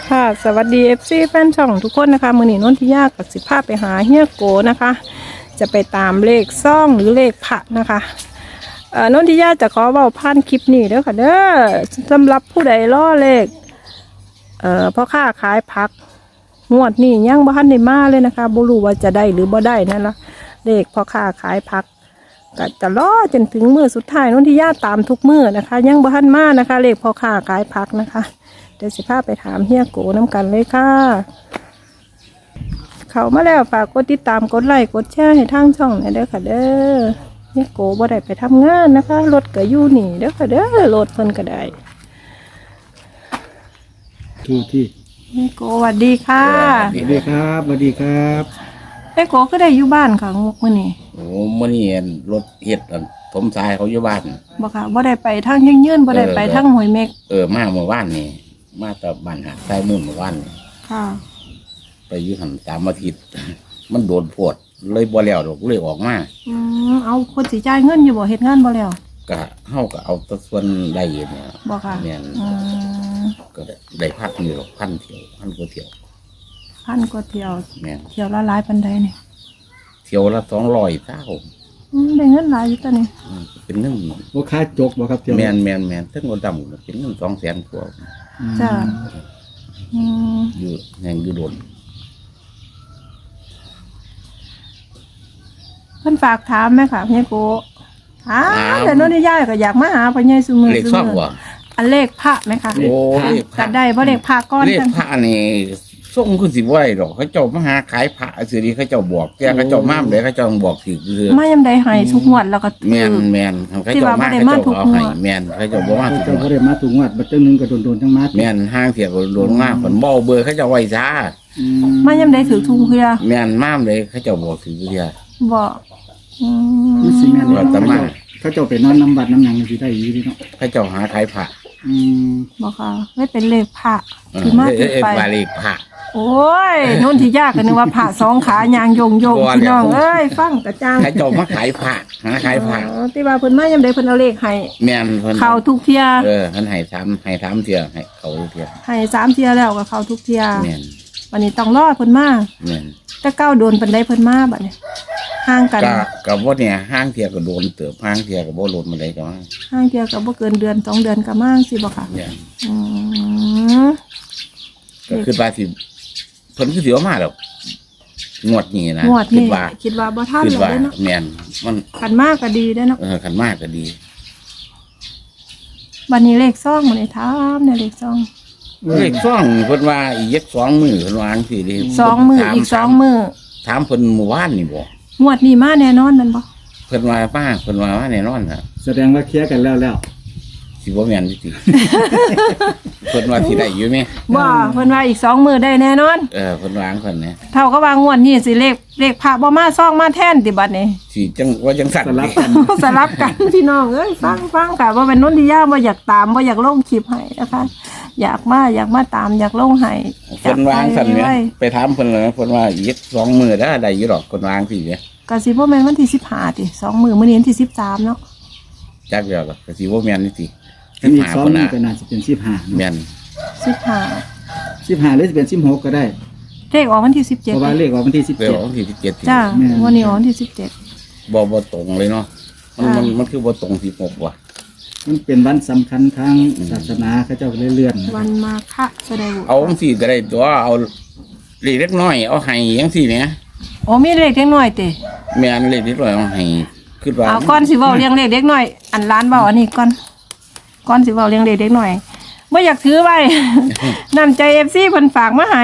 ค่ะสวัสดี FC แฟนช่องทุกคนนะคะมือหนีนนทิยากับสิภาพไปหาเฮียโกนะคะ จะไปตามเลขซ่องหรือเลขพระนะคะนนทิยาจะขอเบาผ่านคลิปนี้เด้อค่ะเด้อสำหรับผู้ใดล่อเลขพ่อค้าขายผักงวดนี้ยังบ่ทันได้มาเลยนะคะบ่รู้ว่าจะได้หรือบ่ได้นั่นละเลขพ่อค้าขายผักก็จะรอจนถึงมื้อสุดท้ายนนทิยาตามทุกมื้อนะคะยังบ่ทันมานะคะเลขพ่อค้าขายผักนะคะเดี๋ยวสิพาไปถามเฮียโกน้ำกันเลยค่ะเข้ามาแล้วฝากกดติดตามกดไลค์กดแชร์ให้ทางช่องหน่อยเด้อค่ะเด้อเฮียโกบ่ได้ไปทำงานนะคะรถก็อยู่นี่เด้อค่ะเด้อรถเพิ่นก็ได้ที่เฮียโกสวัสดีค่ะสวัสดีครับสวัสดีครับเฮียโกก็ได้อยู่บ้านค่ะงกมื้อนี้โอ้มื่อนี้รถเฮ็ดอันถมทรายเขาอยู่บ้านบ่ค่ะบ่ได้ไปทางยืนบ่ได้ไปทางห้วยเม็กมาเมื่อวานนี่มาแต่บ้านหาดทรายมุ่นเมื่อวานนี่ค่ะไปอยู่หันตามอาทิตย์ มันโดนโพดเลยบ่แล้วดอกเลยออกมาเอาคนสิจ่ายเงินอยู่บ่เฮ็ดงานบ่แล้วก็เฮาก็เอาแตะส่วนได้เนี่ยบ่ค่ะแม่นก็ได้พักนี่หรอกพันเที่ยวพันกว่าเที่ยวพันกว่าเที่ยวแม่นเที่ยวละหลายปานใดนี่เที่ยวละ200เท่าได้เงินหลายอยู่ตอนนี้เป็นเงินว่าค้าจกบ่ครับเที่ยวแม่นทั้งคนดำเป็นเงิน200,000กว่าจ้าอยู่แห่งอยู่โดนเพิ่นฝากถามไหมค่ะเฮียโกแต่โน่นนี่ย่าก็อยากมาหาพ่อใหญ่ซุมื้อเลขซ่องบ่อันเลขพระไหมคะโอ้เลขพจัระดได้บ่เลขพระก้อนเลขกันพระนี่ส่งคือสิบ่ได้ดอกเขาเจ้ามาหาขายพระสิริเขาเจ้าบอกแต่เขาเจ้ามาเลยเขาเจ้าบอกถือคือมายามใดให้ทุกงวดแล้วก็แม่นเขาเจ้ามาเขาเจ้าเอาให้แม่นเขาเจ้าบ่มาถูกเจ้าก็ได้มาถูกงวดบัดจังนึงก็โดนทั้งมัดแม่นห้างเสียก็โดนมาเพิ่นบ่เอาเบอร์เขาเจ้าไว้ซะมายามใดถือทุกเพื่อแม่นมาเลยเขาเจ้าบอกถือคือบ่นี่สิแม่นว่าแต่มาเขาเจ้าไปนอนน้ำบัดน้ำหยังสิได้อยู่ดีเนาะเขาเจ้าหาขายพระบ่ค่ะไม่เป็นเลขพระที่มาที่ไปบาเลขพระโอ้ยโน่นที่ยากกันนึกว่าพระสองขายางโยงพี่น้องเอ้ยฟังกระจ่างเขาเจ้ามาขายพระหาขายพระที่ว่าเพิ่นมายามใดเพิ่นเอาเลขให้แม่นเพิ่นเข้าทุกเที่ยเพิ่นให้ถามเที่ยให้เขาเที่ยให้3เที่ยแล้วก็เข้าทุกเที่ยแม่นวันนี้ต้องรอเพิ่นมาแม่นแต่เก้าโดนปานใดเพิ่นมาบัดนี้ห่างกันก็บ่เนี่ยห้างเที่ยก็โดนเติบห้างเที่ยก็บ่โดนมาได้ก็มาห่างเที่ยก็บ่เกินเดือน2เดือนก็มาสิบ่ค่ะเนี่ยอืมก็คือว่าสิเพิ่นคือสิเอามาดอกงวดนี้นะงวดคินี้ดว่าคิดว่าบ่ทันคิดแล้วว่าเด้อเนาะแม่นมันคันมากก็ดีเด้อเนาะคันมากก็ดีวันนี้เลขซ่องมื้อนี้ถามในเลขซ่องเลขซ่องเพิ่นว่าอีก2มื้อเพิ่นว่าจังซี่เด้ 2มื้ออีก2มื้อถามเพิ่นเมื่อวานนี่บ่งวดนี้มาแน่นอนแม่นบ่เพิ่นว่ามาแน่นอนน่ะแสดงว่าเคลียร์กันแล้วสิบ่แม่นสิเพิ่นว่าสิได้อยู่แม่บ่เพิ่นว่าอีก2มื้อได้แน่นอนเพิ่นวาจั่งเพิ่นนะเท่ากับว่างวดนี้สิเลขพระบ่มาซ่องมาแทนติบัดนี้สิจังว่าจังสั่นสลับกันสลับกันพี่น้องเอ้ยฟังค่ะว่าเป็นนนทิยาบ่อยากตามบ่อยากลงคลิปให้นะคะ อยากมาตามอยากลงให้เพิ่นวาจั่งสั่นแหมไว้ไปถามเพิ่นเลยเพิ่นว่าอีก2มื้อได้อยู่ดอกเพิ่นวาจั่งซี่เด้ก็สิบ่แม่นวันที่15ติ2มื้อมื้อนี้วันที่13เนาะจักแล้วก็สิบ่แม่นนี่สิอันนี้ซ้อมเพิ่นนี่น่ะก็น่าจะเป็น15 แม่น 15 15หรือจะเป็น16ก็ได้เลขออกวันที่เพราะว่าเลขออกวันที่เดี๋ยววันที่17 จ้าแม่นวันนี้ออกวันที่17 บ่ตรงเลยเนาะมันคือบ่ตรง16ว่ะ 17มันเป็นวันสำคัญทางศาสนาเขาเจ้าก็เลยเลื่อนวันมาฆะแสดงเอาจังซี่ก็ได้ตัวเอาเลขเล็กน้อยเอาให้จังซี่แหมโอ้มีเลขเด็กน้อยติแม่นเลขเล็กน้อยเอาให้คิดว่าเอาก่อนสิเว้าเรียงเลขเด็กน้อยอันล้านเว้าอันนี้ก่อนสิเว้าเรียงเลขเด็กน้อยบ่อยากถือไว้ น้ำใจ FC เพิ่นฝากมาให้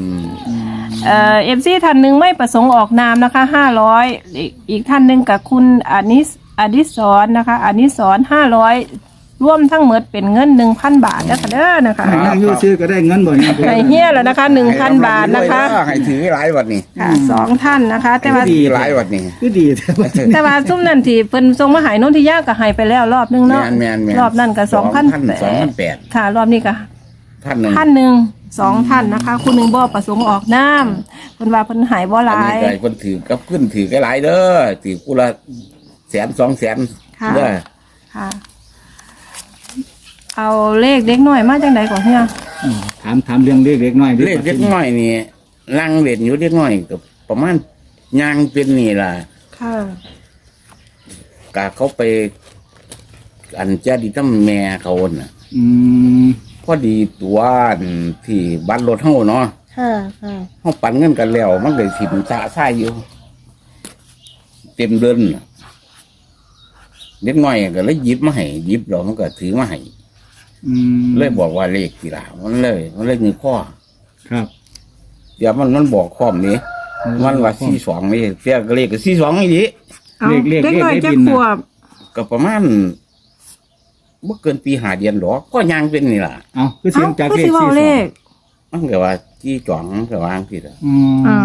FC ท่านหนึ่งไม่ประสงค์ออกนามนะคะ500อีกท่านหนึ่งกับคุณอดิศรนะคะอดิศร500ร่วมทั้งหมดเป็นเงิน 1,000 บาทนะคะเด้อนะคะให้นั่งอยู่ซื้อก็ได้เงินบ่เนี่ยให้เฮียแล้วนะคะ 1,000 บาทนะคะให้ถือหลายวัดนี่ค่ะ2ท่านนะคะ แต่ว่าถือหลายวัดนี่คือดีแต่ว่าแต่ว่าซุ้มนั่นที่เพิ่นส่งมาให้นนทิยาก็ให้ไปแล้วรอบนึงเนาะแม่นรอบนั้นก็2,000 2,800 ค่ะ รอบนี้ก็ท่านหนึงท่านหนึ่ง2ท่านนะคะ คุณหนึ่งบ่ประสงค์ออกนามเพิ่นว่าเพิ่นหายบ่หอันลานี้ยก็คนถือกับขึ้นถือก็หลายเด้อถือกูละ100,000 200,000 ค่ะเด้อค่ะเอาเลขเด็กน้อยมาจังไดก่อนเฮียถามเรื่องเลขเล็กน้อยดิเลขเล็กน้อยนี่ลังเล่นอยู่เล็กน้อยก็ประมาณยางเป็นนี่ล่ะค่ะกะเขาไป อันเจ้าดีตั้มแม่เขาน่ะอืมพอดีตัวอันที่บ้านรถเฮาเนาะค่ะค่ะเฮาปั่นเงินกันแล้ว มันเลยถิ่มสะซ่ายอยู่ เต็มเดินน่ะเล็กน้อยก็เลยหยิบมาให้หยิบแล้วมันก็ถือมาให้อืมเลยบอกว่าเลขกี่ล่ะมันเลยเงยข้อครับเดี๋ยวมันบอกข้อมนี้มันว่า42นี่เสียก็เลขก็42นี่ดิเอาเด็กน้อยจักขวบก็ประมาณบ่เกินปี5เดือนหรอกก็ยังเป็นนี่ล่ะเอาคือเสียงจากก็เลสิขเว้าเลขมันก็ว่าจี้จ่องก็วางผิดอ่ะอืมอ๋อ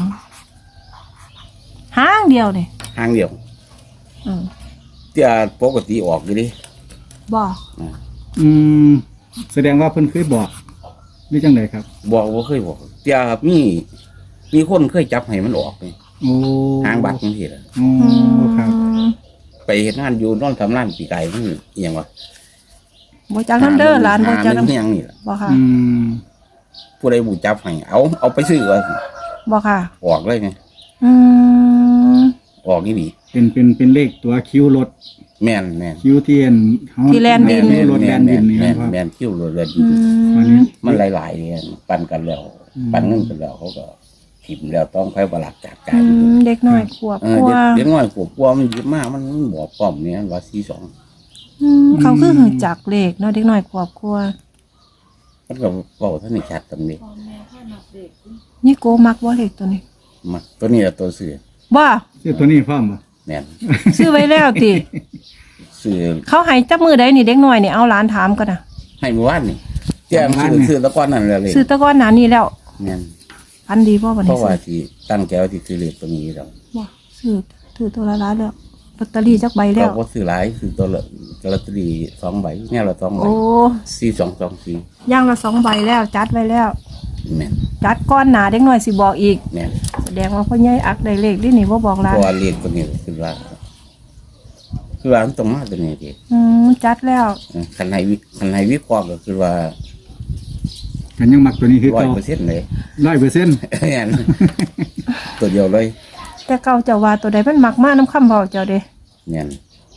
ห้างเดียวนี่ทางเดียวอืมเที่ยปกติออกอยู่ดิบอกอืมแสดงว่าเพิ่นเคยบอกนี่จังไดครับบอกบ่เคยบอกเที่ยมีคนเคยจับให้มันออกนี่โอ้ทางบัตรจังซี่ล่ะโอ้ครับไปเฮ็ดงานอยู่นอนทำร้านปีไก่มันอีหยังวะบ่จักนำเด้อหลานบ่จักหนำเฮียงนี่ล่ะบ่ค่ะอืมผู้ใดบูจับให้เอาไปซื้อว่าบ่ค่ะออกเลยไงอืมออกนี่ดีเป็นเลขตัวคิวรถแม่นคิวเทียนเฮาที่แลนดินคิวรถแลนดินนี่แม่นครับแม่นคิ้วรถแลนดิอืนวันมนี้มันหลายๆเนี่ยปั่นกันแล้ว ปั่นเงินกันแล้วเขาก็ถิ่มแล้วต้องไปประหลัดจากการเด็กน้อยขวบเอก อว่าเด็กน้อยกลัวมันเยอะมากมันบอกป้อมเนี่ยว่า42 เขาคือหึงจักเลขเนาะเด็กน้อยขวบกว่ามันก็บอกท่านในชัดตำนี้นี่โกมักบ่เลขตัวนี้มาตัวนี้ละตัวซื้อบ่ชื่อตัวนี้พร้อมบ่แม่นซื้อไว้แล้วติซื้อเขาให้จับมือใดนี่เด็กน้อยนี่เอาหลานถามกันน่ะให้เมื่อวานนี่แจ้งซื้อตะก้อนนั่นแหละเลยซื้อแตะก้อนหนานี้แล้วแม่นพันดีบ่บัดเพนี้ราะว่าที่ตั้งใจว่าที่ซื้อเลขตัวนี้แล้วบ่ซื้อถือตัวละล้านแล้วลอตเตอรี่จักใบแล้เราวก็ซื้อหลายซื้อตัวละลอตเตอรี่2ใบเนี่ยละ2ใบโอ้ 4224 ย่างละ2ใบแล้ว จัดไว้แล้วแม่นจัดก้อนหนาเด็กน้อยสิบอกอีกแม่นแสดงว่าพ่อใหญ่อักได้เลขนี่นี่บ่บอกหลาเพนราะว่าเลขตัวนี้คือว่ามันต้องมาตัวนี้ดิจัดแล้วคันให้วิเคราะห์ก็คือว่ากันยังมักตัวนี้คือเก่า 100%เลย 100% แม่นตัวเดียวเลยแต่เก่าเจ้าว่าตัวใดมันมักมาน้ำคำเบาเจ้าเด้แม่น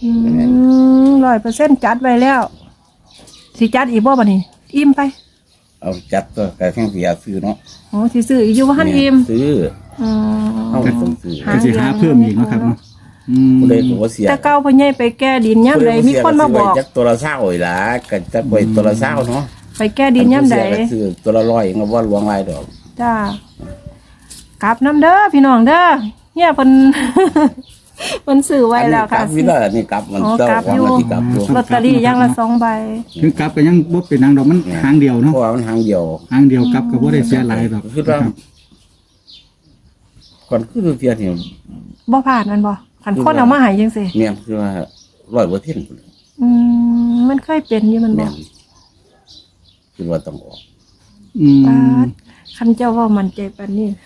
100%จัดไว้แล้ว สิจัดอีกบ่บัดนี้ อิ่มไปเอาจัดก็กระทั่งเสียซื้อเนาะโอ้สิซื้ออีกอยู่ว่าหันอิ่มซื้ออืมเอาต้องซื้อหาก็สิหาเพิ่มอีกเนาะครับเนาะอืมผู้ใดก็บ่เสียแต่เก่าพ่อใหญ่ไปแก้ดินย่ำใดมีคนมาบอกจักตัวละ20อีหล่ะก็จักไว้ตัวละ20เนาะไปแก้ดินย่ำใดผู้เสียก็ซื้อตัวละ100ก็บ่หลวงหลายดอกจ้ากลับน้ำเด้อพี่น้องเด้อเนี่ยเพิ่น เพิ่นซื้อไว้แล้วค่ะอันนี้กลับวิลานี่กลับมันอ๋อเจ้ากลับของอยู่มันสิกลับอยู่ลอตเตอรี่อย่างละ2ใบถึงกลับก็ยังบ่เป็นนางดอกมันหางเดียวเพเนาะราะว่ามันทางเดียวหางเดียวกลับก็บ่ได้เสียหลายดอกคือว่าก่อนคือเสียนี่บ่ผ่านมันบ่คันคนเอามาให้จังซี่แม่นคือว่า100% มันเคยเป็นอยู่มันบ่แม่นคือว่าต้องออกอืมปาดคันเจ้าเว่ามันใจปานนี้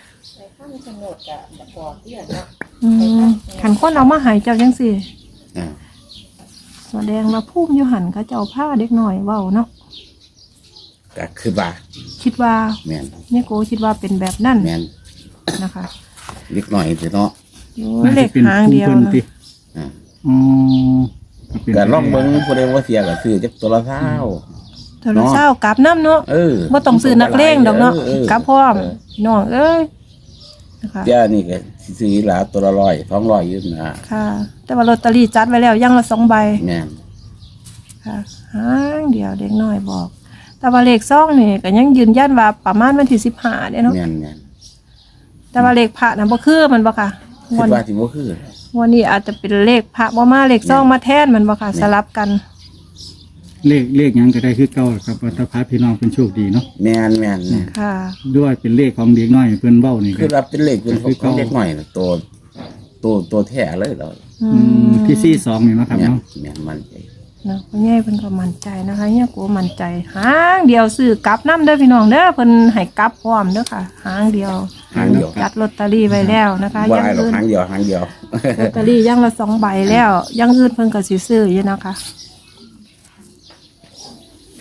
คันคนเอามาให้เจ้าจังซี่อ่าแสดงว่าภูมิอยู่หันเขาเจ้าผ้าเด็กน้อยเว้าเนาะก็คือว่าคิดว่าแม่นเนี่ยโกคิดว่าเป็นแบบนั้นแม่นนะคะเล็กน้อยสิเนาะโอ้ยเลขหางเดียวพิ่นนะติอ่าอ๋อเป็นก็ลองเบิ่งผู้ใดว่าเสียก็ซื้อจักตัวละ20 โทรศัพท์กลับน้ำเนาะเออบ่ต้องซื้อนักเลงดอกเนาะกลับพร้อมน้องเอ้ยนะคะเจ้านี่ก็สิซื้อหลาตัวละ100 200อยู่นะค่ะ แต่ว่าลอตเตอรี่จัดไว้แล้วอย่างละ2ใบแม่นค่ะหางเดียวเด็กน้อยบอก แต่ว่าเลขซ่องนี่ก็ยังยืนยันว่าประมาณวันที่15เด้เนาะแม่นแม่นแต่ว่าเลขพระน่ะบ่คือมันบ่ค่ะคิดว่าสิบ่คือวันนี้อาจจะเป็นเลขพระบ่มาเลขซ่องมาแทนมันบ่ค่ะ สลับกันเลขหยังก็ได้คือเก่าครับว่าถ้าพาพี่น้องเป็นโชคดีเนาะแม่นแม่นแม่นค่ะด้วยเป็นเลขของเด็กน้อยเพิ่นเว้านี่คือก็รับเป็นเลขเป็นของเด็กน้อยน่ะตัวแท้เลยเราที่42นี่เนาะครับแม่นเนาะแม่นมันใจเนาะพ่อใหญ่เพิ่นก็มั่นใจนะคะเนี่ยกูมั่นใจหางเดียวซื้อกลับน้ำเด้อพี่น้องเด้อเพิ่นให้กลับพร้อมเด้อค่ะหางเดียวหางเดียวจัดลอตเตอรี่ไว้แล้วนะคะว่ายังไอ้หรอกอื่นหางเดียวหางเดียวลอตเตอรี่ยังละ2ใบแล้วยังอื่นเพิ่นก็สิซื้ออยู่นะคะ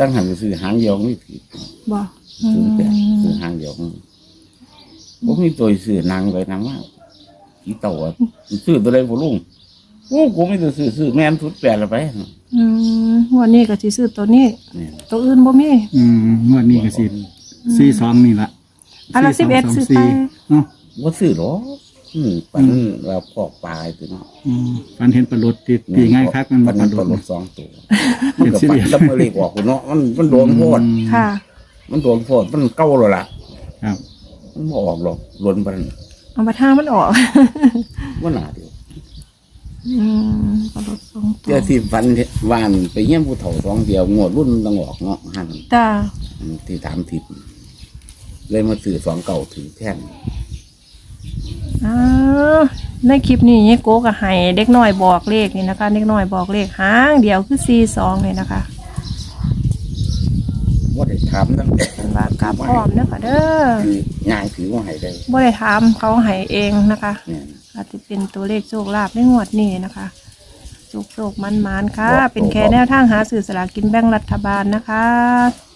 ตั้งหันไปซื้อหางเดียวไม่ผิดบ่ซื้อแต่ซื้อหางเดียวผมมีตัวซื้อนางไปนางว่ากี่เต่าอะซื้อตัวใดบ่ลุงโอ้กูไม่ตัวซื้อแม่นทุดแปดละไปงวดนี้ก็สิซื้อตัวนี้เนี่ยตัวอื่นบ่มีงวดนี้ก็สิ42นี่ล่ะอันละ11ซื้อไปเนาะว่าซื้อหรอปันเราพอกปลายตัวเนาะฝันเห็นปลาลดตีง่ายคักมันปับ่นปนั้ลาน ลตัวดรถสองตัวมันก็ปันแล้วมาเรียกออกเนาะมันโดนโพดค่ะมันโดนโพดมันเก้าแล้วล่ะครับมันบ่ออกหรอกล้นปันเอามาทามันออกว่าหนาเดียวกระโดดสองตัเจ้าว ที่ฟันวานไปเยี่ยมผู้เฒ่าสองเดียวงวดรุ่นต้องออกเนาะหันจ้าที่ถามทิพย์เลยมาซื้อ2 เก่าถือแท่นในคลิปนี้เนี่ยโกกับไห้เด็กน้อยบอกเลขนี่นะคะ เด็กน้อยบอกเลขหางเดียวคือ42เลยนะคะว่าได้ถามตั้งแต่เป็นว่ากลับพร้อมเด้อค่ะเด้อคืองานถือว่าให้ได้บ่ได้ถามเขาให้เองนะคะเนี่ยอาจจะเป็นตัวเลขโชคลาภในงวดนี้นะคะโชคมันๆค่ะ เป็นแค่แนวทางหาสื่อสลากกินแบ่งรัฐบาลนะคะ